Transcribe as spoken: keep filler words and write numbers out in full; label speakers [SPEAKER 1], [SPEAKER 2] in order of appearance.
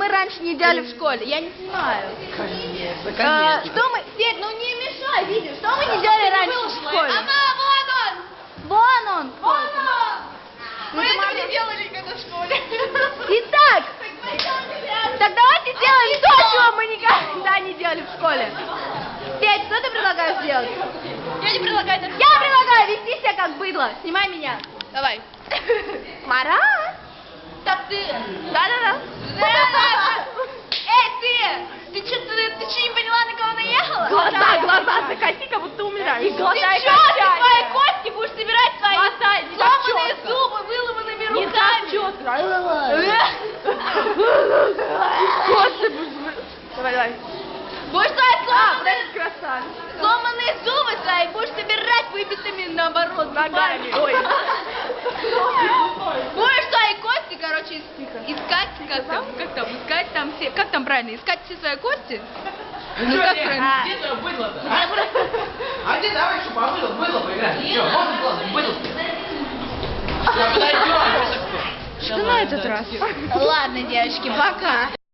[SPEAKER 1] мы раньше не делали в школе? Я не знаю.
[SPEAKER 2] Конечно,
[SPEAKER 1] А,
[SPEAKER 2] конечно.
[SPEAKER 1] что мы... Свет, ну не мешай, видишь, что мы не делали раньше в школе?
[SPEAKER 3] Ага, вон он!
[SPEAKER 1] Вон он.
[SPEAKER 3] Вон он!
[SPEAKER 1] Ну,
[SPEAKER 3] Мы
[SPEAKER 1] ты
[SPEAKER 3] этого
[SPEAKER 1] можешь-
[SPEAKER 3] не делали никогда в школе.
[SPEAKER 1] Итак, так давайте сделаем то, чего мы никогда не делали в школе. Свет, что ты предлагаешь сделать?
[SPEAKER 3] Я не предлагаю это.
[SPEAKER 1] Я предлагаю вести себя как быдло. Снимай меня.
[SPEAKER 3] Давай.
[SPEAKER 1] Марат.
[SPEAKER 3] Так ты...
[SPEAKER 1] Да-да-да.
[SPEAKER 3] Эй, ты! Ты что, ты, ты что, не поняла, на кого наехала?
[SPEAKER 1] Глаза, глаза закати, как будто умираешь. И
[SPEAKER 3] Ты
[SPEAKER 1] глаза
[SPEAKER 3] что,
[SPEAKER 1] и
[SPEAKER 3] ты
[SPEAKER 1] качай.
[SPEAKER 3] свои кости будешь собирать свои
[SPEAKER 1] Глаза, не так
[SPEAKER 3] сломанные
[SPEAKER 1] четко.
[SPEAKER 3] зубы, выломанными
[SPEAKER 1] Не так
[SPEAKER 3] руками?
[SPEAKER 1] четко. Кости будешь... Давай, давай.
[SPEAKER 3] Будешь свои
[SPEAKER 1] А,
[SPEAKER 3] сломанные,
[SPEAKER 1] вот красавец.
[SPEAKER 3] сломанные зубы свои будешь собирать выбитыми, наоборот,
[SPEAKER 1] Ногами.
[SPEAKER 3] зубами.
[SPEAKER 1] Ой.
[SPEAKER 3] Будешь свои кости, короче, ис- искать, как там, как там, искать там все, как там правильно, искать все свои кости? Ну как правильно?
[SPEAKER 2] Где твое быдло-то? А? А где давай, что побыдло, быдло поиграть? Че, можно было быдло? Подойдем.
[SPEAKER 1] Что на этот раз?
[SPEAKER 3] Ладно, девочки, пока.